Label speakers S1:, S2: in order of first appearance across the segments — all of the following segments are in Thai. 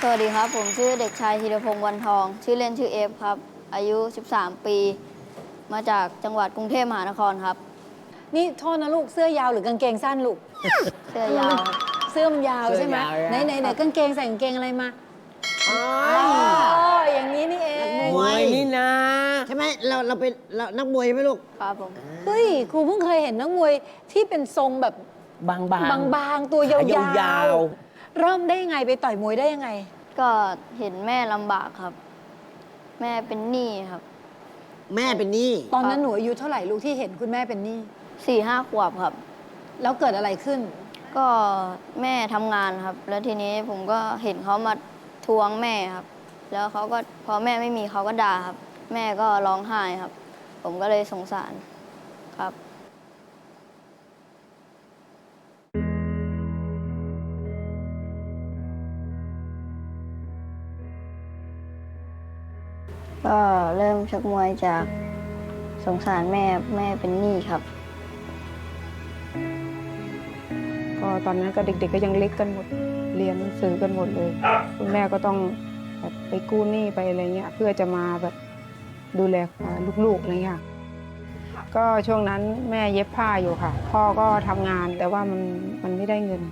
S1: วัสดีครับผมชื่อเด็กชายธีรพงษ์วันทองชื่อเล่นชื่อเอฟครับอายุ13 ปีมาจากจังหวัดกรุงเทพมหานครครับ
S2: นี่โทษนะลูกเสื้อยาวหรือกางเกงสั้นลูก
S1: เสื้อยาว
S2: เสื้อมันยาวใช่ไหม
S3: เสื้อยาว
S2: ไหนกางเกงใส่กางเกงอะไรมาอ๋ออย่างนี้นี่เอง
S3: มวยนี่นะ
S4: ใช่ไหมเราเป็นนักมวยใช่ไหมลูก
S1: ครับผม
S2: เฮ้ยครูเพิ่งเคยเห็นนักมวยที่เป็นทรงแบบ
S3: บางๆ
S2: บางๆตัวยา
S3: ขายาว ว
S2: ๆเริ่มได้ยังไงไปต่อยมวยได้ยังไง
S1: ก็เห็นแม่ลำบากครับ แม่เป็นหนี้ครับ
S4: แม่เป็นหนี้
S2: ตอนนั้นหนูอายุเท่าไหร่ลูกที่เห็นคุณแม่เป็นหนี้
S1: 4-5 ขวบครับ
S2: แล้วเกิดอะไรขึ้น
S1: ก็แม่ทำงานครับ แล้วทีนี้ผมก็เห็นเขามาทวงแม่ครับ แล้วเขาก็พอแม่ไม่มีเขาก็ด่าครับ แม่ก็ร้องไห้ครับ ผมก็เลยสงสารครับ ก็เริ่มชกมวยจากสงสารแม่เป็นหนี้ครับ
S5: ก็ตอนนั้นก็เด็กๆก็ยังเล็กกันหมดเรียนหนังสือกันหมดเลยคุณแม่ก็ต้องแบบไปกู้หนี้ไปอะไรเงี้ยเพื่อจะมาแบบดูแลลูกๆอะไรเงี้ยก็ช่วงนั้นแม่เย็บผ้าอยู่ค่ะพ่อก็ทำงานแต่ว่ามันไม่ได้เงิน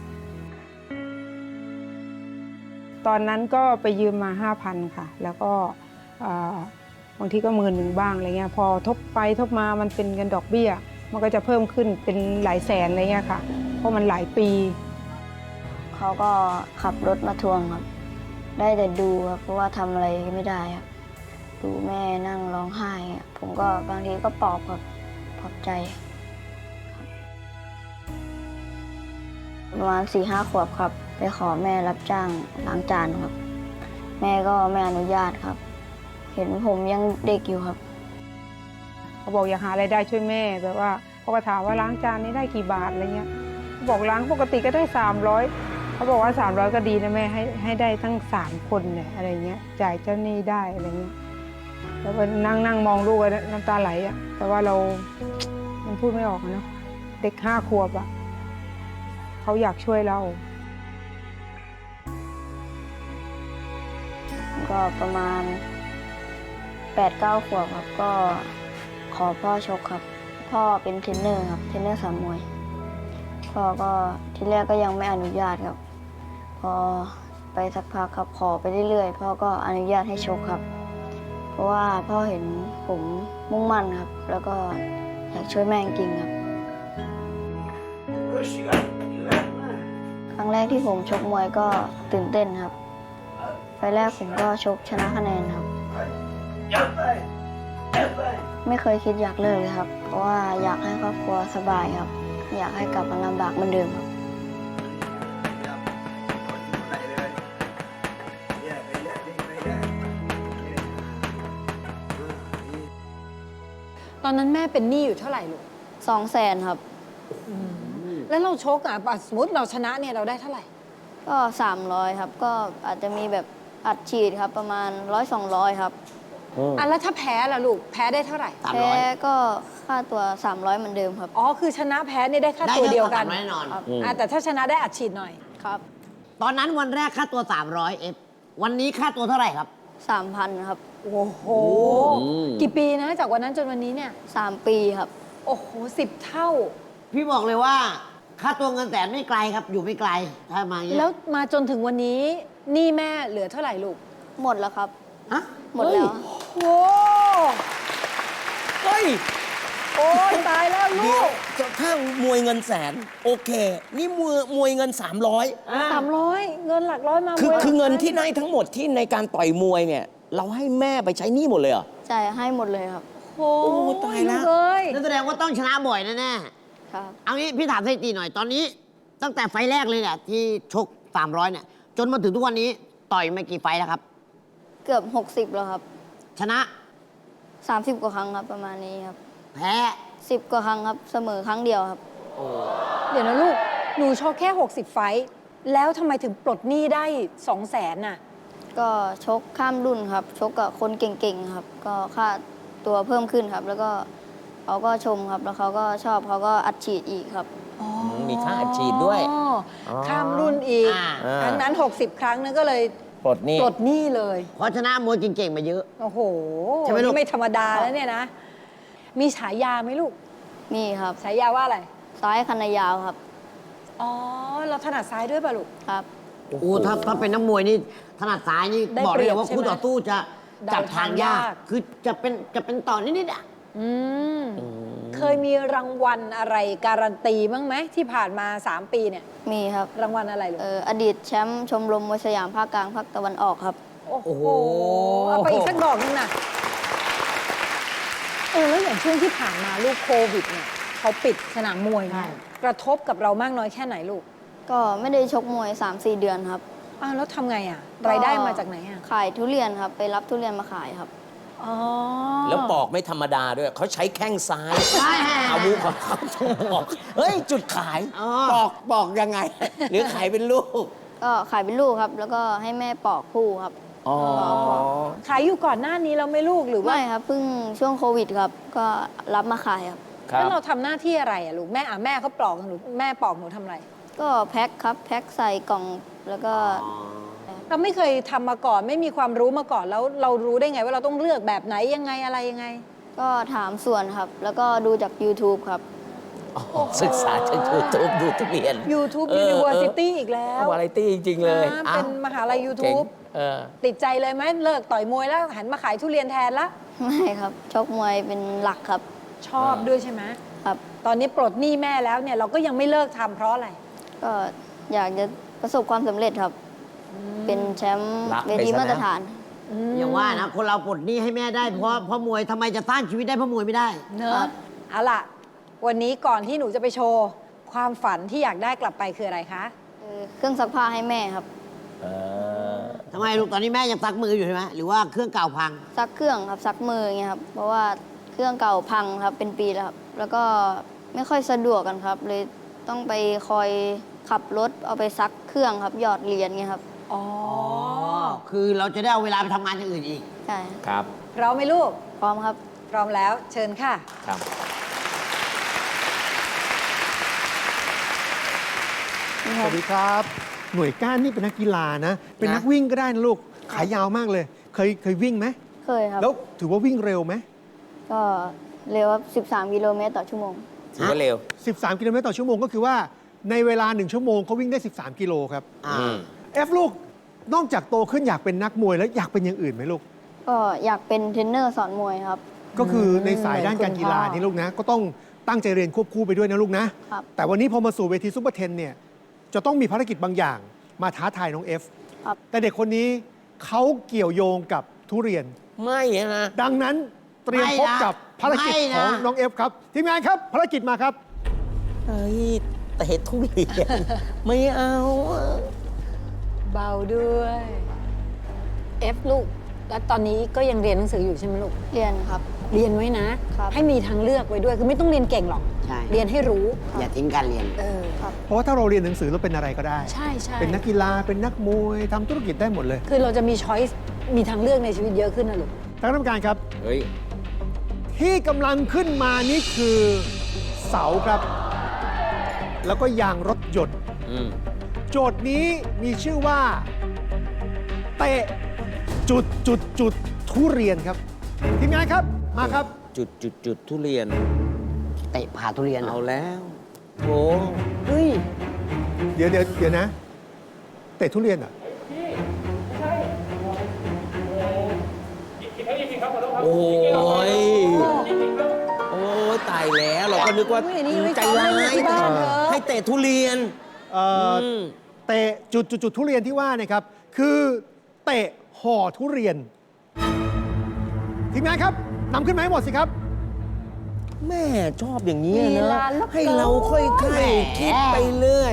S5: ตอนนั้นก็ไปยืมมา 5,000 ค่ะแล้วก็บางทีก็10,000บ้างอะไรเงี้ยพอทบไปทบมามันเป็นเงินดอกเบี้ยมันก็จะเพิ่มขึ้นเป็นหลายแสนอะไรเงี้ยค่ะเพราะมันหลายปี
S1: เขาก็ขับรถมาทวงครับ ได้แต่ดูครับเพราะว่าทำอะไรไม่ได้ครับดูแม่นั่งร้องไห้อะผมก็บางทีก็ปลอบครับปลอบใจครับประมาณ4-5 ขวบครับ ไปขอแม่รับจ้างล้างจานครับ แม่ก็ไม่อนุญาตครับ เห็นผมยังเด็กอยู่ครับ
S5: เขาบอกอยากหารายได้ช่วยแม่แบบว่าเขาก็ถามว่าล้างจานนี้ได้กี่บาทอะไรเงี้ยเขาบอกล้างปกติก็ได้300เขาบอกว่า300ก็ดีนะแม่ให้ได้ทั้ง3 คนเนี่ยอะไรเงี้ยจ่ายเจ้าหนี้ได้อะไรเงี้ยแล้วก็นั่งมองลูกน้ำตาไหลอ่ะแต่ว่ามันพูดไม่ออกเนาะเด็ก5 ขวบอ่ะเขาอยากช่วยเรา
S1: ก็ประมาณ8-9 ขวบครับก็ขอพ่อชกครับ พ่อเป็นเทรนเนอร์ครับเทรนเนอร์สอนมวยพ่อก็ทีแรกก็ยังไม่อนุญาตครับ พอไปสักพักครับขอไปเรื่อยๆพ่อก็อนุญาตให้ชกครับ เพราะว่าพ่อเห็นผมมุ่งมั่นครับ แล้วก็อยากช่วยแม่จริงๆครับ ครั้งแรกที่ผมชกมวยก็ตื่นเต้นครับไฟล์แรกผมก็ชกชนะคะแนนครับ ไม่เคยคิดอยากเลิกเลยครับ เพราะว่าอยากให้ครอบครัวสบายครับ อยากให้กลับมาลำบากเหมือนเดิมครับ
S2: ตอนนั้นแม่เป็นหนี้อยู่เท่าไหร่ลูก
S1: 200,000ครับ
S2: แล้วเราชกอ่ะสมมติเราชนะเนี่ยเราได้เท่าไหร่
S1: ก็300ครับ ก็อาจจะมีแบบอัดฉีดครับประมาณ100-200ครับ
S2: อ่ะแล้วถ้าแพ้ล่ะลูกแพ้ได้เท่าไหร่
S1: แพ้ก็ค่าตัว300เหมือนเดิมครับ
S2: อ๋อคือชนะแพ้เนี่ยได้ค่าตัวเดียวกัน
S4: ได้แน่นอน
S1: ครับ
S2: แต่ถ้าชนะได้อัดฉีดหน่อย
S1: ครับ
S4: ตอนนั้นวันแรกค่าตัว300เอฟวันนี้ค่าตัวเท่าไหร่ครับ
S1: 3,000ครับ
S2: โอ้โห กี่ปีนะจากวันนั้นจนวันนี้เนี่ย
S1: 3 ปีครับ
S2: โอ้โห10 เท่า
S4: พี่บอกเลยว่าค่าตัวเงินแสนไม่ไกลครับ อยู่ไม่ไกลถ้ามาอย่างเงี้ย
S2: แล้วมาจนถึงวันนี้หนี้แม่เหลือเท่าไหร่ลูก
S1: หมดแล้วครับ
S4: ฮะ
S1: หมดแล้ว
S2: โอ้
S3: เฮ้ย
S2: โอ้ยตายแล้วลู
S3: เดี๋ยว
S2: ก
S3: ถ้ามวยเงินแสน โอเค นี่มวยเงิน 300
S2: 300 เงินหลักร้อยมา
S3: คือ
S2: มวยหลัก
S3: คือเงิน
S2: ร้ย
S3: ที่ได้ทั้งหมดที่ในการต่อยมวยเนี่ย เราให้แม่ไปใช้หนี้หมดเลยเหรอ
S1: ใช่ให้หมดเลยครับ
S2: โอ้
S3: โอ้ตายแล้ว
S2: กเอ้ย
S4: นั่นแสดงว่าต้องชนะบ่อยแน่
S1: ครับ
S4: ๆเอางี้พี่ถามสถิติหน่อยตอนนี้ ตั้งแต่ไฟล์แรกเลยเนี่ยที่ชก300เนี่ยจนมาถึงทุกวันนี้ต่อยมากี่ไฟล์แล้วครับ
S1: เกือบ60แล้วครับ
S4: ชนะ
S1: 30 กว่าครั้งครับประมาณนี้ครับ
S4: แพ้
S1: 10 กว่าครั้งครับเสมอครั้งเดียวครับ
S2: เดี๋ยวนะลูก หนูชกแค่ 60 ไฟต์แล้วทำไมถึงปลดหนี้ได้ 200,000น่ะ
S1: ก็ชกข้ามรุ่นครับ ชกกับคนเก่งๆครับ ก็ค่าตัวเพิ่มขึ้นครับ แล้วก็เขาก็ชมครับ แล้วเขาก็ชอบเขาก็อัดฉีดอีกครับ
S3: มีค่าอัดฉีดด้วย
S2: ข้ามรุ่นอีก
S4: อ่า
S2: ครั้งนั้น 60 ครั้งนั้นก็เลย
S3: ปลดหนี่
S2: ปลดหนี้เลย
S4: เพราะชนะมวยเก่งๆมาเยอะ
S2: โอ้โห
S4: ใช่ไหมลูก
S2: นี่ไม่ธรรมดาแล้วเนี่ยนะ มีฉายาไหมลูก
S1: มีครับ
S2: ฉายาว่าอะไร
S1: ซ้ายคันนายาวครับ
S2: อ๋อ เราถนัดซ้ายด้วยป่ะลูก
S1: ครับ
S4: โอ้ถ้าเป็นนักมวยนี่ถนัดซ้ายนี่
S2: ได้
S4: บอกเลยว่า
S2: เปรียบใช่ไหม
S4: คู่ต่อสู้จะจับทางยาก
S2: เดาทางยาก
S4: คือจะเป็นต่อนิดๆอ่ะ
S2: อืม เคยมีรางวัลอะไรการันตีบ้างไหมที่ผ่านมา 3 ปีเนี่ย
S1: มีครับ
S2: รางวัลอะไรลูก
S1: อดีตแชมป์ชมรมมวยสยามภาคกลางภาคตะวันออกครับ
S2: โอ้
S4: โอ้
S2: โห
S4: โห
S2: เอาไปอีกสักดอกนึงนะแล้วอย่างช่วงที่ผ่านมาลูกโควิดเนี่ยเขาปิดสนามมวย
S4: ใช่
S2: เนี่ยกระทบกับเรามากน้อยแค่ไหนลูก
S1: ก็ไม่ได้ชกมวย 3-4 เดือนครับ
S2: อ้าวแล้วทำไงอ่ะ รายได้มาจากไหนอ่ะ
S1: ขายทุเรียนครับ ไปรับทุเรียนมาขายครับ
S2: อ๋อ
S3: แล้วปอกไม่ธรรมดาด้วย เขาใช้แข้งซ้าย
S4: ใช่
S3: อาวุธของเขาปอกเฮ้ย จุดขาย
S4: อ๋อ
S3: ปอกยังไง หรือขายเป็นลูก
S1: ก็ขายเป็นลูกครับ แล้วก็ให้แม่ปอกคู่ครับ
S3: อ๋อ
S2: ขายอยู่ก่อนหน้านี้เราไม่ลูกหรือว่า
S1: ไม่ครับ เพิ่งช่วงโควิดครับ ก็รับมาขายครับ
S3: ครั
S2: แล้ว
S3: บ
S2: เราทำหน้าที่อะไรอ่ะลูกแม่แม่เขาปลอกหนูแม่ปอกหนูทำอะไร
S1: ก็แพ็คครับ แพ็คใส่กล่องแล้วก็
S2: เราไม่เคยทำมาก่อนไม่มีความรู้มาก่อนแล้วเรารู้ได้ไงว่าเราต้องเลือกแบบไหนยังไงอะไรยังไง
S1: ก็ถามส่วนครับ แล้วก็ดูจาก YouTube ครับ
S3: ศึกษาจากยูทูบดูทุเรียน
S2: YouTube
S3: เออ
S2: University อีกแล้ว
S3: วาไรตี้จริง ๆ เลย
S2: นะเป็นมหาลัย
S3: เก่ง
S2: YouTube ติดใจเลยไหมเลิกต่อยมวยแล้วหันมาขายทุเรียนแทนละ
S1: ไม่ครับ ชกมวยเป็นหลักครับ
S2: ชอบด้วยใช่ไหม
S1: ครับ
S2: ตอนนี้ปลดหนี้แม่แล้วเนี่ยเราก็ยังไม่เลิกทำเพราะอะไร
S1: ก็อยากจะประสบความสำเร็จครับ เป็นแชมป์
S3: รัก
S1: เว
S3: ไป
S1: ที
S3: ซะนะ
S1: มาตรฐาน
S4: อย่างว่านะคนเราปลดหนี้ให้แม่ได้เพราะมวยทำไมจะสร้างชีวิตได้เพราะมวยไม่ได้
S2: เน
S1: ครั
S2: อะ
S1: บ
S2: เอาล่ะ วันนี้ก่อนที่หนูจะไปโชว์ ความฝันที่อยากได้กลับไปคืออะไรคะ
S1: เครื่องซักผ้าให้แม่ครับ
S4: ทำไมลูกตอนนี้แม่ยังซักมืออยู่ใช่ไหมหรือว่าเครื่องเก่าพัง
S1: ซักเครื่องครับ ซักมืออย่างเงี้ยครับ เพราะว่าเครื่องเก่าพังครับ เป็นปีแล้วครับ แล้วก็ไม่ค่อยสะดวกกันครับ เลยต้องไปคอยขับรถเอาไปซักเครื่องครับ หยอดเหรียญเงี้ยครับ
S2: อ๋อ
S4: คือเราจะได้เอาเวลาไปทำงานอย่างอื่นอีก
S1: ใช่
S3: ครับ
S2: พร้อมไหมลูก
S1: พร้อมครับ
S2: พร้อมแล้วเชิญค่ะ
S3: ครับ
S1: นี่ค
S6: ส
S1: รับ
S6: วัสดีครับ หน่วยก้านนี่เป็นนักกีฬานะ เป็นนักวิ่งก็ได้นะลูก ขายาวมากเลย เคยวิ่งไหม
S1: เคยครับ
S6: แล้วถือว่าวิ่งเร็วไหม
S1: ก็เร็วครับ13 กิโลเมตรต่อชั่วโมง
S3: ถือว่าเร็ว
S6: 13 กิโลเมตรต่อชั่วโมงก็คือว่าในเวลา 1 ชั่วโมงเขาวิ่งได้ 13 กิโลครับ
S4: อ่า
S6: เอฟลูก นอกจากโตขึ้นอยากเป็นนักมวยแล้วอยากเป็นอย่างอื่นไหมลูก
S1: ก็อยากเป็นเทรนเนอร์สอนมวยครับ
S6: ก็คือในสายด้านการกีฬา
S2: เหมือนคุณพ่อ
S6: นี่ลูกนะ ก็ต้องตั้งใจเรียนควบคู่ไปด้วยนะลูกนะ
S1: ครับ
S6: แต่วันนี้พอมาสู่เวทีซุปเปอร์เทนเนี่ย จะต้องมีภารกิจบางอย่างมาท้าทายน้องเอฟ
S1: ครับ
S6: แต่เด็กคนนี้เขาเกี่ยวโยงกับทุเรียน
S3: ไม่นะ
S6: ดังนั้นเตรียมพบกับภารกิจของน้องเอฟครับ ทีมงานครับ ภารกิจมาครับ
S3: เฮ้ยเตะทุเรียน ไม่เอาอะ
S2: เบาด้วย F ลูก แล้วตอนนี้ก็ยังเรียนหนังสืออยู่ใช่ไหมลูก
S1: เรียนครับ
S2: เรียนไว้นะ
S1: ครับ
S2: ให้มีทางเลือกไว้ด้วย คือไม่ต้องเรียนเก่งหรอก
S4: ใช่
S2: เรียนให้รู้
S4: อย่าทิ้งการเรียน
S1: ครับ
S6: เพราะว่าถ้าเราเรียนหนังสือเราเป็นอะไรก็ได้
S2: ใช่ใช่
S6: เป็นนักกีฬา เป็นนักมวยทำธุรกิจได้หมดเลย
S2: คือเราจะมีช้อยส์มีทางเลือกในชีวิตเยอะขึ้นนะลูก
S6: ทางกรรมการครับ
S3: เฮ้ย
S6: ที่กำลังขึ้นมานี่คือเสาครับ แล้วก็ยางรถยนต์
S3: อืม
S6: โจทย์นี้มีชื่อว่า เตะจุดทุเรียนครับ ทีมงานครับ มาครับ
S3: จุดทุเรียน
S4: เตะผ่าทุเรียน
S3: เอาแล้วโถ
S2: เฮ้ย
S6: เดี๋ยวนะ เตะทุเรียนเหรอ่ะ
S3: โอ้ย โอ้ยตายแล้วเราก็นึกว่า
S2: อุ้ยอันนี้ไว้
S3: ใจร้าย
S2: ซ้อมเล่นที่บ้านเถอะ
S3: ให้เตะทุเรียน ม
S6: เตะจุดทุเรียนที่ว่าเนี่ยครับ คือเตะห่อทุเรียน ทีมงานครับนำขึ้นมาให้หมดสิครับ
S3: แม่ชอบอย่างนี้
S2: ลี
S3: นะ
S2: ลาเหลือเกิน
S3: ให้เราค่อยๆคิดไปเรื่อย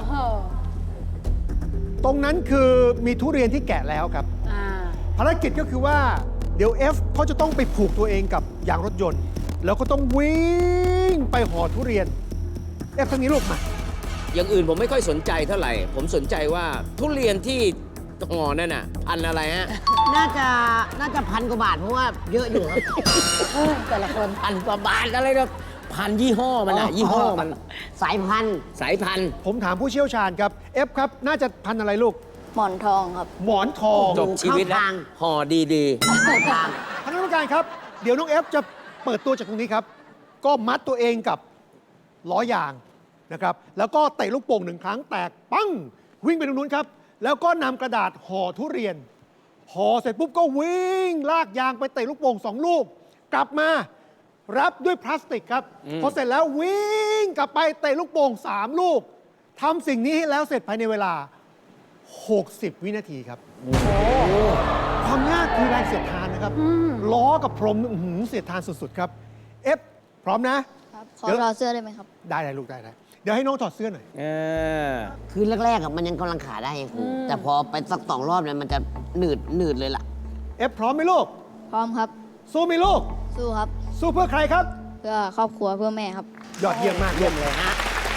S6: ตรงนั้นคือมีทุเรียนที่แกะแล้วครับ
S2: อ่า
S6: ภารกิจก็คือว่าเดี๋ยว F เขาจะต้องไปผูกตัวเองกับยางรถยนต์ แล้วก็ต้องวิ่งไปห่อทุเรียน F ทางนี้ลูกมา
S3: อย่างอื่นผมไม่ค่อยสนใจเท่าไหร่ ผมสนใจว่าทุเรียนที่ห่อนั่นน่ะพันธุ์อะไรฮะ
S4: น่าจะ1,000 กว่าบาทเพราะว่าเยอะอยู่ครับ
S2: แต่ละคน
S3: พันกว่าบาทอะไรนะพันยี่ห้อมันอะยี่ห้อมัน
S4: สายพันธุ์
S3: สายพันธุ์
S6: ผมถามผู้เชี่ยวชาญครับ F ครับ น่าจะพันธุ์อะไรลูก
S1: หมอนทองครับ
S6: หมอนทอง
S3: จบชีวิตแล้ว
S4: เข้าทาง
S3: ห่อดี
S6: ท่านกรรมการครับ เดี๋ยวน้องเอฟจะเปิดตัวจากตรงนี้ครับ ก็มัดตัวเองกับล้อยางนะครับ แล้วก็เตะลูกโป่ง1 ครั้งแตกปั้ง วิ่งไปตรงนู้นครับ แล้วก็นำกระดาษห่อทุเรียน ห่อเสร็จปุ๊บก็วิ่งลากยางไปเตะลูกโป่ง2 ลูก กลับมารับด้วยพลาสติกครับ พอเสร็จแล้ววิ่งกลับไปเตะลูกโป่ง3 ลูกทำสิ่งนี้ให้แล้วเสร็จภายในเวลา 60 วินาทีครับ ความยากคือแรงเสียดทานนะครับ ล้อกับพรมอื้อหือเสียดทานสุดๆครับ เอฟพร้อมนะ
S1: ครับ ขอ
S6: เดี๋ยว
S1: รอเสื้อได้ไหมครับ
S6: ได้ลูกได้ เดี๋ยวให้น้องถอดเสื้อหน่อย
S3: ๆ เออ
S4: คือแรกๆอะมันยังกำลังขาได้ไงครูแต่พอไปสัก2 รอบเนี่ยมันจะหนืดเลยล่ะ
S6: เอฟพร้อมไหมลูก
S1: พร้อมครับ
S6: สู้ไหมลูก
S1: สู้ครับ
S6: สู้เพื่อใครครับ
S1: เพื่อครอบครัวเพื่อแม่ครับ
S6: ยอดเยี่ยมมากเยี่ยมเลยฮะ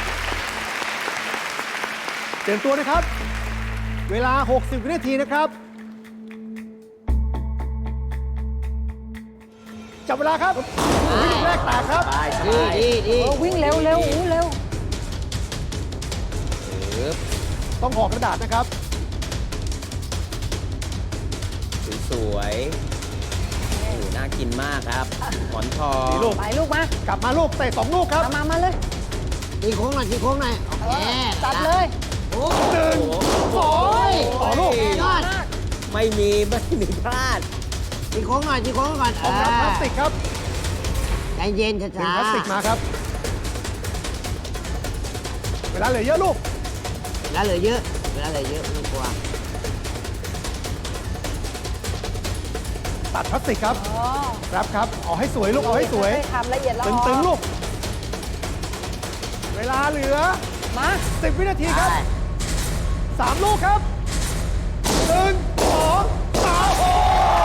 S6: เตรียมตัวนะครับ เวลา 60 วินาทีนะครับ จับเวลาครับวินาทีแรกแตกครับ
S4: ดี
S2: โอ้วิ่งเร็วเร็วอู้เร็ว
S6: ต้องห่อกระดาษนะครับ
S3: สวยๆโอ้โหน่ากินมากครับ หมอนทอง
S6: นี่ลูก
S2: ไปลูกมาก
S6: ลับมาลูกเตะ2 ลูกครับ
S2: มาเลย
S4: ตีโค้งหน่อยโอเค
S2: จัดเลย
S4: โอ้
S6: หนึ่งสองต่อลูก
S4: ยอด
S3: ไม่มีพลาด
S4: ตีโค้งหน่อยก่อน
S6: ของรับพลาสติกครับ
S4: ใจเย็น
S6: ดึง
S4: ช้า
S6: พลาสติกมาครับ เวลาเหลือเยอะลูก
S4: เวลาเหลือเยอะไม่ต้องกลัว
S6: ตัดพลาสติกครับ
S2: อ๋อ
S6: รับครับ เอาให้สวยลูก เอาให้สวย
S2: ทำละเอียดละ
S6: ตึงๆลูก เวลาเหลือ
S2: มา
S6: 10 วินาทีครับ
S4: ได้
S6: 3 ลูกครับ 1 2 3โอ้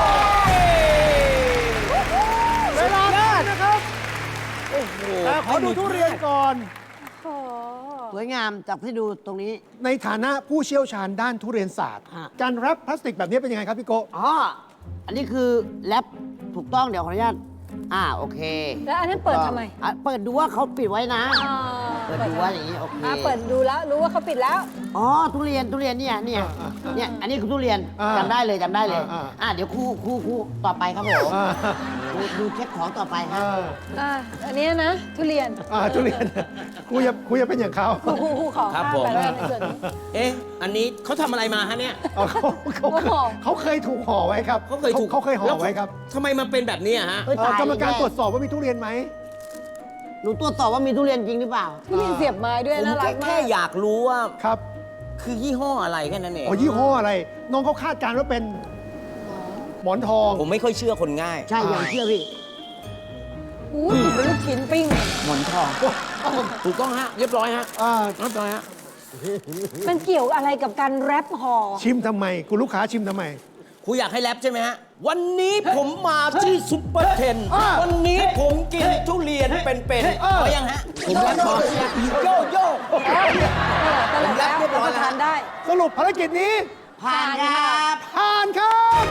S6: ยเวลาได้นะครับ
S3: โอ้โห
S6: แต่ขอดูทุเรียนก่อน
S2: โอ้
S4: สวยงามจับให้ดูตรงนี้
S6: ในฐานะผู้เชี่ยวชาญด้านทุเรียนศาสตร์
S4: ฮะ
S6: การแรปพลาสติกแบบนี้เป็นยังไงครับพี่โกะ
S4: อ๋อ อันนี้คือแรปถูกต้องเดี๋ยวขออนุญาตโอเค
S2: แล้วอันนั้นเปิดทำไม
S4: เปิดดูว่าเขาปิดไว้นะ
S2: อ่า
S4: เปิดดูว่าอย่างนี้โอเค
S2: เปิดดูแล้วรู้ว่าเขาปิดแล้ว
S4: อ๋อทุเรียนเนี่ยอันนี้คือทุเรียนจำได้เลยเดี๋ยวคู่ต่อไปครับผม
S6: อ่า
S4: ดูเช็คของต่อไปค
S6: อ่
S4: รับ
S2: อันนี้นะ ทุเรียน
S6: ทุเรียนกูอย่าเป็นอย่างเขา
S2: คู่ขอ
S3: ครับ
S2: ข้าม
S3: ผม
S2: ไปแล้วในส่วนนี้
S3: เอ๊ะ อันนี้เขาทำอะไรมาฮะเนี่ย
S6: เอาเขาเคยถูกห่อไว้ครับ
S3: เขาเคยถูก
S6: เขาเคยห่อไว้ครับ
S3: ทำไมมันเป็นแบบนี้อะฮะ
S4: เอ้ยตาย
S6: กรรมการตรวจสอบว่ามีทุเรียนไหม
S4: หนูตรวจสอบว่ามีทุเรียนจริงหรือเปล่า
S2: ทุเรียนเสียบไม้ด้วย
S3: ผม
S2: น่ารักมา
S3: แค่
S2: ก
S3: อยากรู้ว่า
S6: ครับ
S3: คือยี่ห้ออะไรแค่นั้นเอง
S6: อ๋อยี่ห้ออะไร น้องเขาคาดการณ์ว่าเป็นหมอนทอง
S3: ผมไม่ค่อยเชื่อคนง่าย
S4: ใช่อย่างเชื่อพี่
S2: อู้ยเป็นลูกชิ้นปิ้ง
S3: หมอนทอง ถูกต้องฮะ เรียบร้อยฮะ เรียบร้อยฮะ
S2: มันเกี่ยวอะไรกับการแรปห่อ
S6: ชิมทำไม คุณลูกค้าชิมทำไม
S3: ครูอยากให้แรปใช่ไหมฮะ วันนี้ผมมาที่ซุปเปอร์เทน วันนี้ผมกินทุเรียนเป็นๆเอายังฮะ ผมแรปพอโยโย่
S2: ตลกแล้ว
S3: เรียบร้อย
S2: รับประทานได้
S6: สรุปภารกิจนี้
S4: ผ่านครับ
S6: ผ่านครับ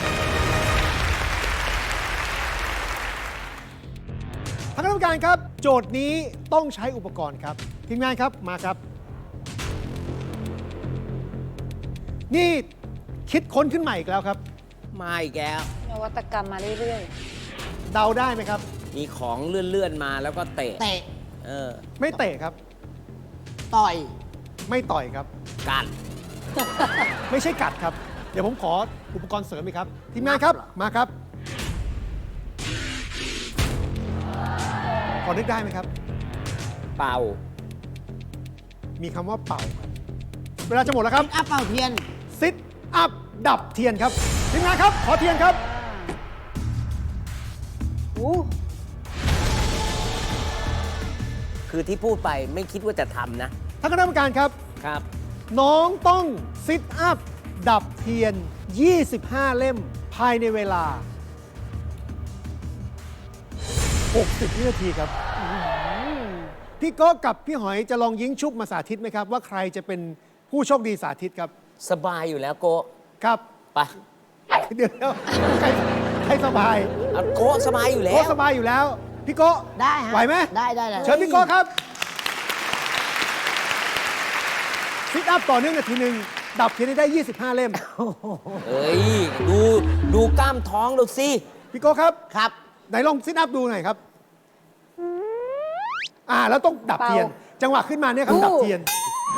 S6: ท่านคณะกรรมการครับ โจทย์นี้ต้องใช้อุปกรณ์ครับ ทีมงานครับ มาครับ นี่คิดค้นขึ้นใหม่อีกแล้วครับ
S3: มาอีกแล้ว
S2: นวัตกรรมมาเรื่อย
S6: เดาได้ไหมครับ
S3: มีของเลื่อนๆมาแล้วก็เตะ
S4: เตะ
S3: เออ
S6: ไม่เตะครับ
S4: ต่อย
S6: ไม่ต่อยครับ
S3: กัด
S6: ไม่ใช่กัดครับ เดี๋ยวผมขออุปกรณ์เสริมอีกครับ ทีมงานครับ มาครับ พอนึกได้ไหมครับ
S3: เป่า
S6: มีคำว่าเป่าครับเวลาจะหมดแล้วครับ
S4: เป่าเทียน
S6: ซิทอัพดับเทียนครับ ทีมงานครับ ขอเทียนครับ
S2: ๆอู้
S3: คือที่พูดไปไม่คิดว่าจะทำนะ
S6: ท่านคณะกรรมการครับ
S3: ครับ
S6: น้องต้องซิทอัพดับเทียน 25 เล่ม ภายในเวลา 60 วินาทีครับ พี่โก้กับพี่หอยจะลองยิงชุบมาสาธิตไหมครับ ว่าใครจะเป็นผู้โชคดีสาธิตครับ
S3: สบายอยู่แล้วโกะ
S6: ครับ
S3: ไป
S6: เดี๋ยวใครสบาย
S3: เอาโกะสบายอยู่แล้
S6: โก้
S3: ว
S6: สบายอยู่แล้ว พี่โก้
S4: ได้ฮะ
S6: ไหวไหม
S4: ได้
S6: เชิญพี่โก้ครับซิทอัพต่อเนื่องนาทีหนึ่งดับเทียนให้ได้ 25 เล่ม
S3: เฮ้ย ดูกล้ามท้องดูสิ
S6: พี่โก้ครับ
S4: ครับ
S6: ไหนลองซิทอัพดูหน่อยครับ แล้วต้องดับเทียน จังหวะขึ้นมาเนี่ยครับดับเทียน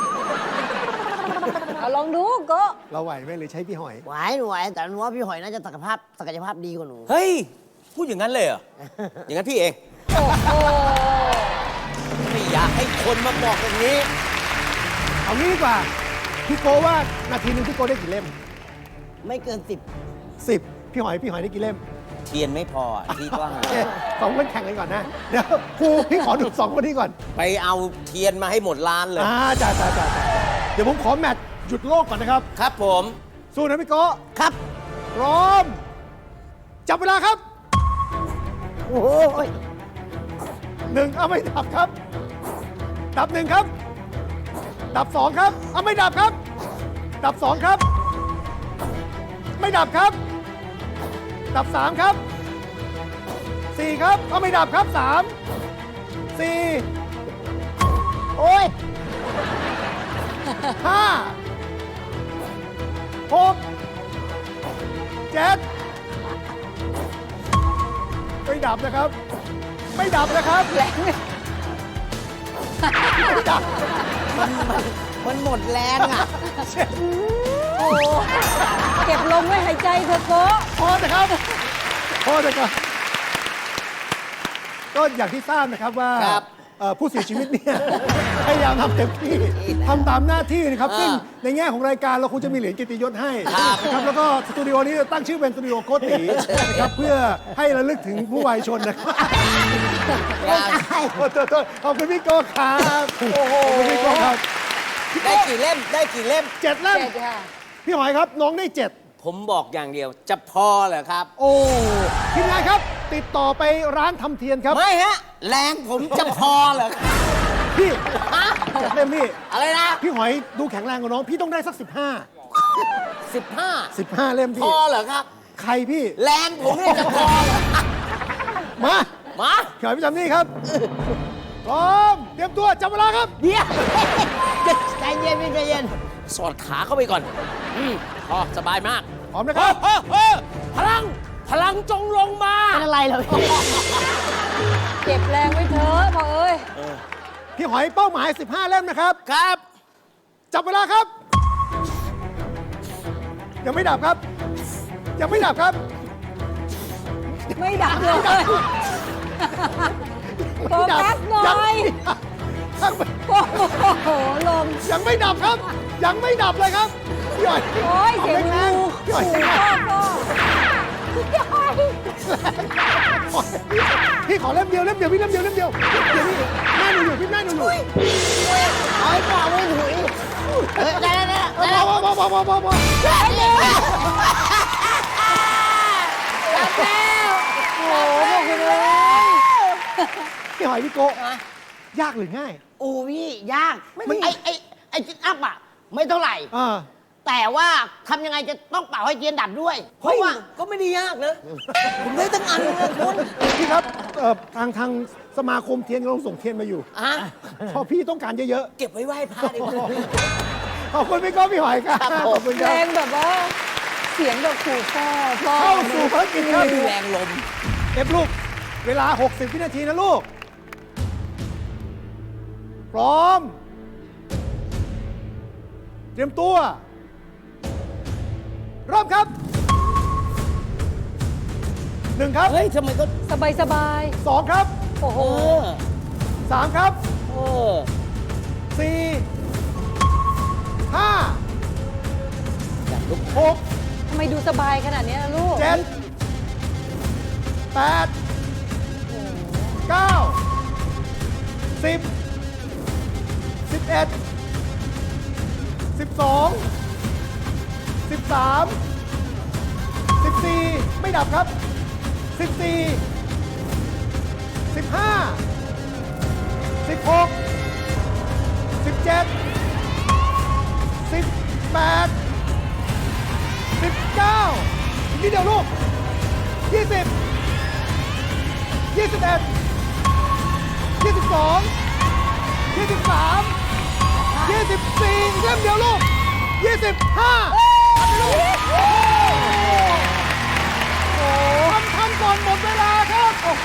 S2: เอาลองดูโก็
S6: เราไหวไหมหรือใช้พี่หอย
S4: ไหวหนูไหวแต่หนูว่าพี่หอยน่าจะศักยภาพดีกว่าหนู
S3: เฮ้ย พูดอย่างนั้นเลยเหรอ อย่างนั้นพี่เอง
S2: โอ้โห
S3: ไม่อยากให้คนมาบอกอย่างนี้
S6: เอางี้ดีกว่า พี่โก้ว่านาทีหนึงพี่โก้ได้กี่เล่ม
S4: ไม่เกิน
S6: 10 พี่หอยได้กี่เล่ม
S3: เทียนไม่พอที่กว้าง
S6: โอเคสองคนแข่งกันก่อนนะ เดี๋ยวครูพี่ขอดู2 คนนี้ก่อน
S3: ไปเอาเทียนมาให้หมดร้านเลย
S6: จ้าเดี๋ยวผมขอแมตช์หยุดโลกก่อนนะครับ
S3: ครับผม
S6: สู้นะพี่โก้
S4: 10 ครับ
S6: พร้อม จับเวลาครับ
S4: โอ้ย
S6: 1 เอาไม่ดับครับ ดับ 1 ครับ ดับ 2 ครับ เอาไม่ดับครับ ดับ 2 ครับ ไม่ดับครับ ดับ 3 ครับ 4 ครับ เอาไม่ดับครับ 3 4
S4: โอ้ย
S6: 5 6 7 ไม่ดับนะครับ ไม่ดับนะครับ ไม่ดับ
S4: มันหมดแรงอ่ะ
S2: โอ้โหเก็บลมไว้หายใจเถอะโก็
S6: พอนะครับพอนะครับก็อย่างที่ทราบนะครับว่า
S3: ครับ
S6: ผู้เสียชีวิตเนี่ย พยายามทำเต็มที่ทำตามหน้าที่นะครับ ซึ่งในแง่ของรายการเราคงจะมีเหรียญเกียรติยศให้นะครับแล้วก็สตูดิโอนี้ตั้งชื่อเป็นสตูดิโอโกตินะครับเพื่อให้ระลึกถึงผู้วายชนนะครับโทษขอบคุณพี่โก้ครับขอบคุณพี่โก้ครับ
S3: ได้กี่เล่ม ได้กี่เล่ม
S6: 7 เล่ม
S2: เจ็ดค่ะ
S6: พี่หอยครับน้องได้ 7
S3: ผมบอกอย่างเดียว จะพอเหรอครับ
S6: โอ้ทีมงานครับ ติดต่อไปร้านทำเทียนครับ
S3: ไม่ฮะ แรงผมจะพอเหรอครับ
S6: พี่
S3: ฮะ
S6: 7 เล่มพี่
S3: อะไรนะ
S6: พี่หอยดูแข็งแรงกว่าน้อง พี่ต้องได้สัก
S3: 15
S6: 15 เล่ม
S3: พ
S6: พี่
S3: อเหรอครับ
S6: ใครพี่
S3: แรงผมเนี่ยจะพอเหรอ
S6: มา
S3: มา
S6: พี่หอยพี่จำนี่ครับ พร้อม เตรียมตัวจับเวลาครับ
S4: เดี๋ยวใจเย็นพี่ใจเย็น
S3: สอดขาเข้าไปก่อนพอสบายมาก
S6: พร้อมนะครับ
S3: พลังจงลงมา
S4: เป็นอะไรเหรอพี่
S2: เก็บแรงไว้เถอะพ่อเอ้ย
S6: พี่หอยเป้าหมาย 15 เล่มนะครับ
S3: ครับ
S6: จับเวลาครับ ยังไม่ดับครับ ยังไม่ดับครับ
S2: ไม่ดับเลยโฟกัสหน่อย
S6: ยังไม่
S2: โอ้โหลม
S6: ยังไม่ดับครับ ยังไม่ดับเลยครับ พี่หอย
S2: โอ้ยเสียง
S6: แร
S2: งู
S6: งๆพี่หอย
S2: ขู่
S6: แรง
S2: พ่อพ่อ
S6: พี่ขอเล่มเดียวพี่เล่มเดียวเดี๋ยวพี่แม่หนูอยู่พี่แม่หนูอยู่
S4: เอาให้พ่อไม่ถุยเฮ้ยได้แล้ว
S6: พอ
S2: โอ้โหพวกคุณเอ้ย
S6: พี่หอยพี่โกะยากหรือง่าย
S4: โอ้พี่ยากไอ้จิตอัพอ่ะ ไม่เท่าไหร่ แต่ว่าทำยังไงจะต้องเป่าให้เทียนดับด้วย เพ
S3: เฮ้
S4: ราะ
S3: ย
S4: ว่า
S3: ก็ไม่ได้ยากนะ ผมได้ตั้งอันเลยนะคุณ
S6: พี่ครับทางสมาคมเทียนกำลังส่งเทียนมาอยู่
S3: อ่ะ
S6: พอพี่ต้องการเยอะ
S3: เก็บไว้ไหว้พระดีกว่า
S6: ๆ ขอบคุณพี่โก้พี่หอยครับขอบคุณค
S2: แร
S6: รับ
S2: งแบบว่า เสียงแบบขู่พ่อพ่อ
S6: เข้าสู่ภารกิจครับ
S3: มีแรงลม
S6: เอฟลูก เวลา 60 วินาทีนะลูก พร้อม เตรียมตัว เริ่มครับ 1 ครับ
S3: เฮ้ยทำไมก็
S2: สบายสบาย
S6: 2 ครับ
S2: โอ้โห
S6: 3 ครับ
S3: เออ
S6: 4 5 6
S2: ทำไมดูสบายขนาดนี้ล่ะลูก
S6: 7 8 9 10 11 12 13 14 ไม่ดับครับ 14 15 16 17 18 19อีกนิดเดียวลูก 20 21 22 23 24อีกเล่มเดียวลูกทันก่อนหมดเวลาครับ โอ้โห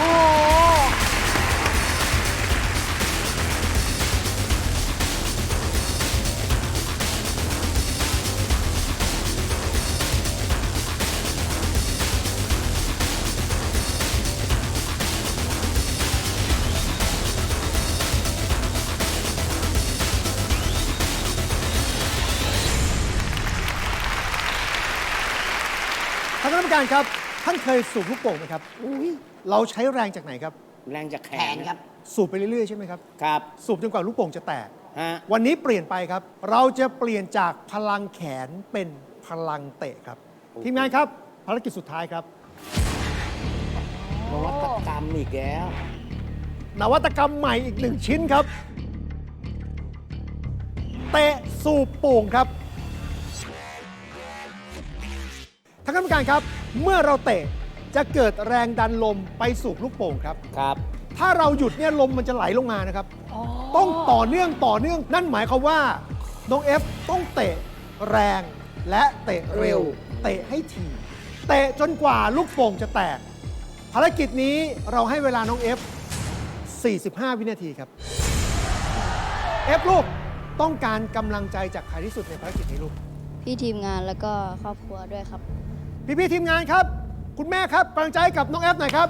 S6: ท่านคณะกรรมการครับ ท่านเคยสูบลูกโป่งไหมครับ เราใช้แรงจากไหนครับ
S3: แรงจากแข
S4: แข
S3: น
S4: นครับ
S6: สูบไปเรื่อยๆใช่ไหมครับ
S3: ครับ
S6: สูบจนกว่าลูกโป่งจะแตก
S3: ฮะ
S6: วันนี้เปลี่ยนไปครับ เราจะเปลี่ยนจากพลังแขนเป็นพลังเตะครับ ทีมงานครับ ภารกิจสุดท้ายครับ
S3: นวัตกรรมอีกแล้ว
S6: นวัตกรรมใหม่อีก1 ชิ้นครับ เตะสูบโป่งครับท่านคณะกรรมการครับ เมื่อเราเตะจะเกิดแรงดันลมไปสูบลูกโป่งครับ
S3: ครับ
S6: ถ้าเราหยุดเนี่ยลมมันจะไหลลงมานะครับ ต้องต่อเนื่องนั่นหมายความว่าน้องเอฟต้องเตะแรงและเตะเร็ว เตะให้ถี่เตะจนกว่าลูกโป่งจะแตก ภารกิจนี้เราให้เวลาน้องเอฟ45 วินาทีครับเอฟลูกต้องการกำลังใจจากใครที่สุดในภารกิจนี้ลูก
S1: พี่ทีมงานแล้วก็ครอบครัวด้วยครับ
S6: พี่ๆทีมงานครับ คุณแม่ครับกำลังใจให้กับน้องเอฟหน่อยครับ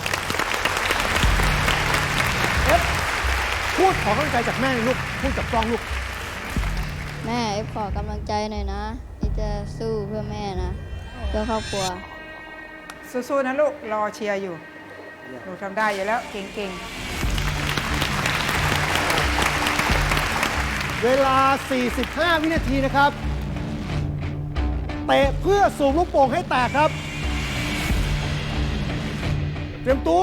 S6: เอฟพูดขอกำลังใจจากแม่หน่อยลูกพูดกับกล้องลูก
S1: แม่ขอกำลังใจหน่อยนะที่จะสู้เพื่อแม่นะ เพื่อครอบครัว
S5: สู้ๆนะลูก รอเชียร์อยู่ หนูทำได้อยู่แล้ว เก่งๆ
S6: เวลา 45 วินาทีนะครับ เตะเพื่อสูบลูกโป่งให้แตกครับ เตรียมตัว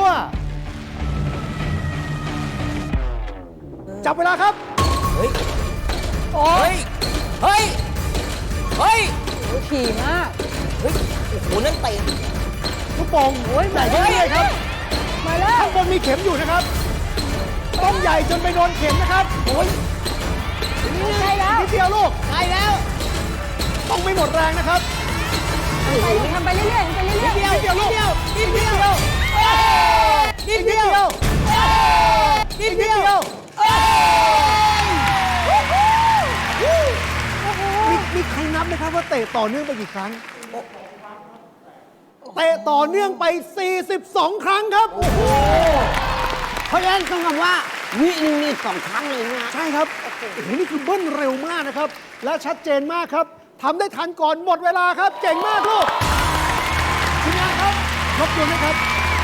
S6: จับเวลาครับ
S3: เฮ้ย เฮ้ย เฮ้ย เฮ้ย
S2: โอ้ยถี่มาก
S3: เฮ้ย โอ้โห นั่นเตะ
S6: ลูกโป่งใหญ่ขึ้นเรื่อยๆครับ
S2: มาแล้ว
S6: ข้างบนมีเข็มอยู่นะครับ ต้องใหญ่จนไปโดนเข็มนะครับโอ้ย
S2: ใกล้แล้ว
S6: นิดเดียวลูก
S4: ใกล้แล้ว
S6: ต้องไม่หมดแรงนะครับ
S2: ทำไปเรื่อยๆทำไปเรื่อย
S6: นิดเดียวลูกนิดเดียวนิดเดียวนิดเดียวมีใครนับไหมครับว่าเตะต่อเนื่องไปกี่ครั้ง เตะต่อเนื่องไป 42 ครั้งครับ
S4: เพราะฉะนั้นต้องคำว่า วิหนึ่งนี่2 ครั้งเลยนะ
S6: ใช่ครับ โอ้โห นี่คือเบิ้ลเร็วมากนะครับ และชัดเจนมากครับ ทำได้ทันก่อนหมดเวลาครับ เก่งมากลูกทีมงานครับรบกวนนะครับ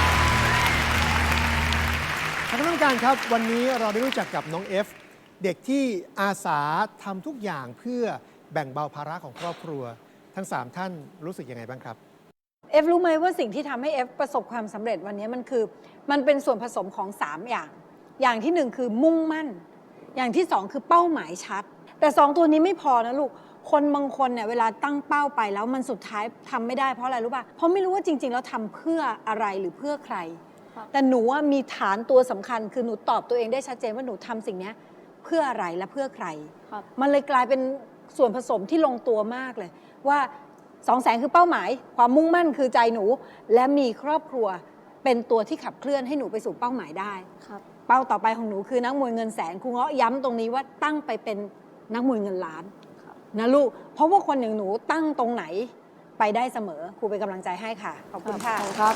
S6: ท่านคณะกรรมการครับ วันนี้เราได้รู้จักกับน้องเอฟ เด็กที่อาสาทำทุกอย่างเพื่อแบ่งเบาภาระของครอบครัว ทั้ง 3 ท่านรู้สึกยังไงบ้างครับ
S2: เอฟรู้ไหมว่าสิ่งที่ทำให้เอฟประสบความสำเร็จวันนี้มันเป็นส่วนผสมของ 3 อย่าง อย่างที่ 1 คือมุ่งมั่น อย่างที่ 2 คือเป้าหมายชัด แต่ 2 ตัวนี้ไม่พอนะลูก คนบางคนเนี่ยเวลาตั้งเป้าไปแล้วมันสุดท้ายทำไม่ได้เพราะอะไรรู้ป่ะ เพราะไม่รู้ว่าจริงๆแล้วทำเพื่ออะไรหรือเพื่อใคร
S1: ครับ
S2: แต่หนูว่ามีฐานตัวสำคัญคือหนูตอบตัวเองได้ชัดเจนว่าหนูทำสิ่งนี้เพื่ออะไรและเพื่อใคร
S1: ครับ
S2: มันเลยกลายเป็นส่วนผสมที่ลงตัวมากเลยว่า200,000คือเป้าหมาย ความมุ่งมั่นคือใจหนู และมีครอบครัวเป็นตัวที่ขับเคลื่อนให้หนูไปสู่เป้าหมายได้
S1: ครับ
S2: เป้าต่อไปของหนูคือนักมวยเงินแสนครูเงาะย้ำตรงนี้ว่าตั้งไปเป็นนักมวยเงินล้านนะลูกเพราะว่าคนอย่างหนูตั้งตรงไหนไปได้เสมอครูเป็นกำลังใจให้ค่ะขอบคุณค่ะ
S1: ครับ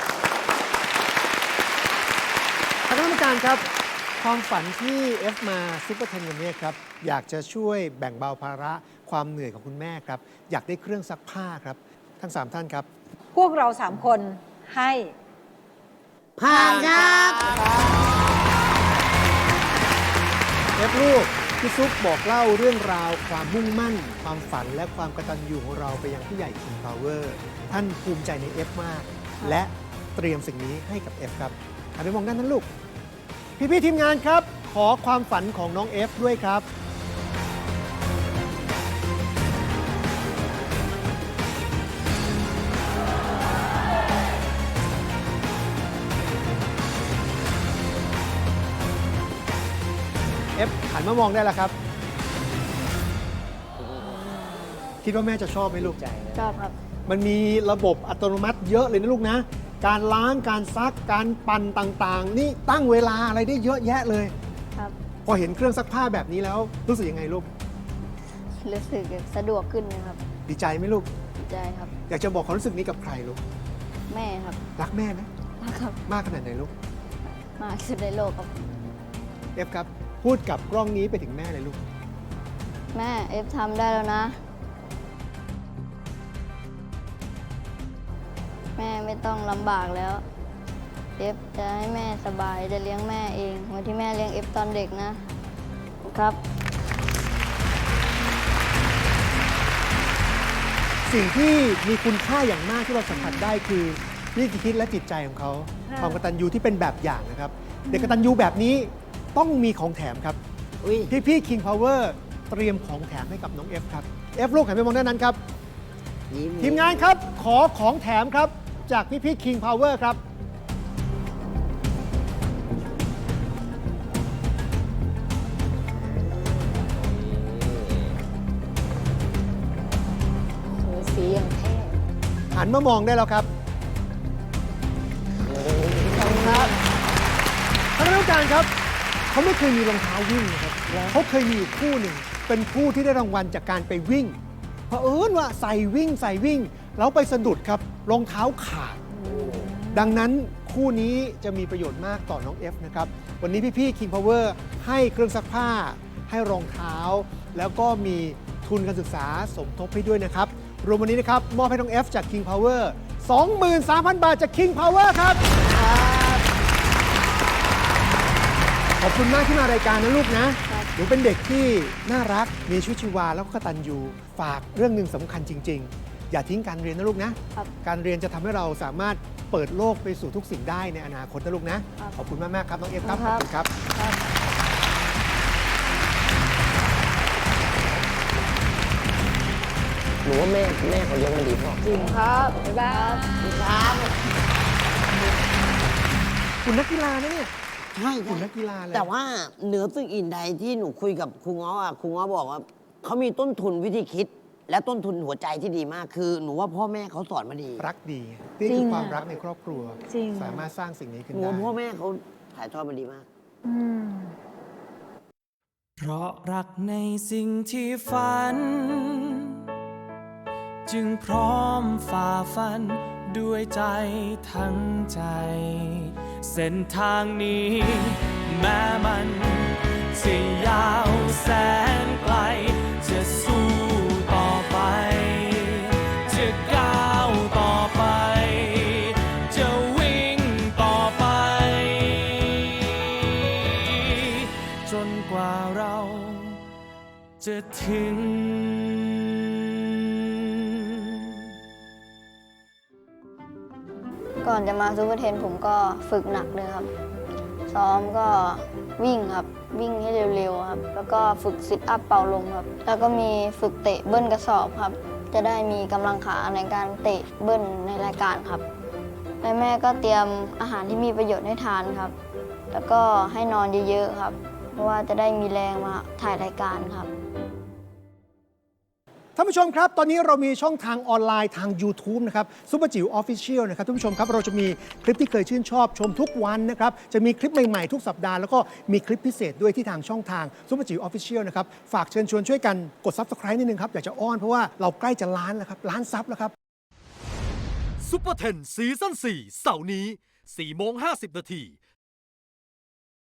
S6: ท่านคณะกรรมการครับ ความฝันที่เอฟมาซุปเปอร์เทนวันนี้ครับ อยากจะช่วยแบ่งเบาภาระความเหนื่อยของคุณแม่ครับ อยากได้เครื่องซักผ้าครับ ทั้ง 3 ท่านครับ
S2: พวกเรา3 คนให้
S4: ผ่านครับ
S6: เอฟลูกพี่ซุปบอกเล่าเรื่องราวความมุ่งมั่น ความฝันและความกตัญญูของเราไปยังผู้ใหญ่ King Power ท่านภูมิใจในเอฟมาก และเตรียมสิ่งนี้ให้กับเอฟครับหันไปมองด้านนั้นลูก พี่ๆทีมงานครับ ขอความฝันของน้องเอฟด้วยครับ เอฟหันมามองได้แล้วครับคิดว่าแม่จะชอบไหมลูก
S1: ชอบครับ
S6: มันมีระบบอัตโนมัติเยอะเลยนะลูกนะ การล้างการซักการปั่นต่างๆ นี่ตั้งเวลาอะไรได้เยอะแยะเลย
S1: ครับ
S6: พอเห็นเครื่องซักผ้าแบบนี้แล้วรู้สึกยังไงลูก
S1: รู้สึกสะดวกขึ้นนะครับ
S6: ดีใจไหมลูก
S1: ดีใจครับ
S6: อยากจะบอกความรู้สึกนี้กับใครลูก
S1: แม่ครับ
S6: รักแม่ไหม
S1: รักครับ
S6: มากขนาดไหนลูก
S1: มากที่สุดในโลกครับ
S6: เอฟครับพูดกับกล้องนี้ไปถึงแม่เลยลูก
S1: แม่เอฟทำได้แล้วนะ แม่ไม่ต้องลำบากแล้ว เอฟจะให้แม่สบายจะเลี้ยงแม่เองเหมือนที่แม่เลี้ยงเอฟตอนเด็กนะครับ
S6: สิ่งที่มีคุณค่าอย่างมากที่เราสัมผัสได้คือวิธีคิดและจิตใจของเขา
S2: ค่ะ
S6: ความกตัญญูที่เป็นแบบอย่างนะครับ เด็กกตัญญูแบบนี้ต้องมีของแถมครับ
S4: อุ้ย
S6: พี่ๆ King Power เตรียมของแถมให้กับน้องเอฟครับเอฟลูกหันไปมองด้านนั้นครับ
S4: ยิ้ม
S6: ทีมงานครับขอของแถมครับ จากพี่ๆ King Power ครับ
S2: สีอย่างเท่
S6: หันมามองได้แล้วครับ
S2: ขอบคุณครับ
S6: ท่านผู้การครับเขาไม่เคยมีรองเท้าวิ่งนะครับเขาเคยมีอยู่คู่หนึ่งเป็นคู่ที่ได้รางวัลจากการไปวิ่งเผอิญว่าใส่วิ่งแล้วไปสะดุดครับรองเท้าขาด ดังนั้นคู่นี้จะมีประโยชน์มากต่อน้องเอฟนะครับวันนี้พี่ๆ King Power ให้เครื่องซักผ้า ให้รองเท้า แล้วก็มีทุนการศึกษาสมทบให้ด้วยนะครับรวมวันนี้นะครับมอบให้น้องเอฟจาก King Power 23,000 บาทจาก King Power ครับขอบคุณมากที่มารายการนะลูกนะครับ หนูเป็นเด็กที่น่ารักมีชีวิตชีวาแล้วก็กตัญญูฝากเรื่องหนึ่งสำคัญจริง ๆ อย่าทิ้งการเรียนนะลูกนะ
S1: ครับ
S6: การเรียนจะทำให้เราสามารถเปิดโลกไปสู่ทุกสิ่งได้ในอนาคตนะลูกนะ
S1: ครับ
S6: ขอบคุณมาก ๆ ครับ น้องเอฟครับ
S1: ค
S6: ข
S1: รั
S6: อบบ คุณครับ
S1: ครับ
S4: หนูว่าแม่เขาเลี้ยงมันดีพ่อ
S1: จริงครับ
S2: บ๊ายบาย
S4: ครับ
S6: คุณนักกีฬานะเนี่ย
S4: ใช่
S6: คุณนักกีฬาเลย
S4: แต่ว่าเหนือสิ่งอื่นใดที่หนูคุยกับครูง้ออ่ะครูง้อบอกว่าเขามีต้นทุนวิธีคิด และต้นทุนหัวใจที่ดีมาก คือหนูว่าพ่อแม่เขาสอนมาดี
S6: รักดีนี่
S2: จริ
S6: คื
S2: ง
S6: อความ
S2: อะ
S6: รักในครอบครัว
S2: จริง
S6: สามารถสร้างสิ่งนี้ขึ้น
S4: หนู
S6: ได้
S4: ว่าพ่อแม่เขาถ่ายทอดมาดีมาก
S2: อืม
S7: เพราะรักในสิ่งที่ฝัน จึงพร้อมฝ่าฟันด้วยใจทั้งใจ เส้นทางนี้ แม้มันจะยาวแสนไกล จะสู้ต่อไป จะก้าวต่อไป จะวิ่งต่อไป จนกว่าเราจะถึง
S1: ก่อนจะมาซูเปอร์เทนผมก็ฝึกหนักเลยครับ ซ้อมก็วิ่งครับ วิ่งให้เร็วๆครับ แล้วก็ฝึกซิทอัพเป่าลมครับ แล้วก็มีฝึกเตะเบิ้ลกระสอบครับ จะได้มีกำลังขาในการเตะเบิ้ลในรายการครับ และแม่ก็เตรียมอาหารที่มีประโยชน์ให้ทานครับ แล้วก็ให้นอนเยอะๆครับ เพราะว่าจะได้มีแรงมาถ่ายรายการครับ
S6: ท่านผู้ชมครับ ตอนนี้เรามีช่องทางออนไลน์ทาง YouTube นะครับซุปเปอร์จิ๋วออฟฟิเชียลนะครับท่านผู้ชมครับเราจะมีคลิปที่เคยชื่นชอบชมทุกวันนะครับจะมีคลิปใหม่ๆทุกสัปดาห์แล้วก็มีคลิปพิเศษด้วยที่ทางช่องทางซุปเปอร์จิ๋วออฟฟิเชียลนะครับฝากเชิญชวนช่วยกันกด Subscribe นิดนึงครับอยากจะอ้อนเพราะว่าเราใกล้จะล้านแล้วครับล้านซับแล้วครับ
S8: ซุปเปอร์เทนซีซั่น4เสาร์นี้4:50 น.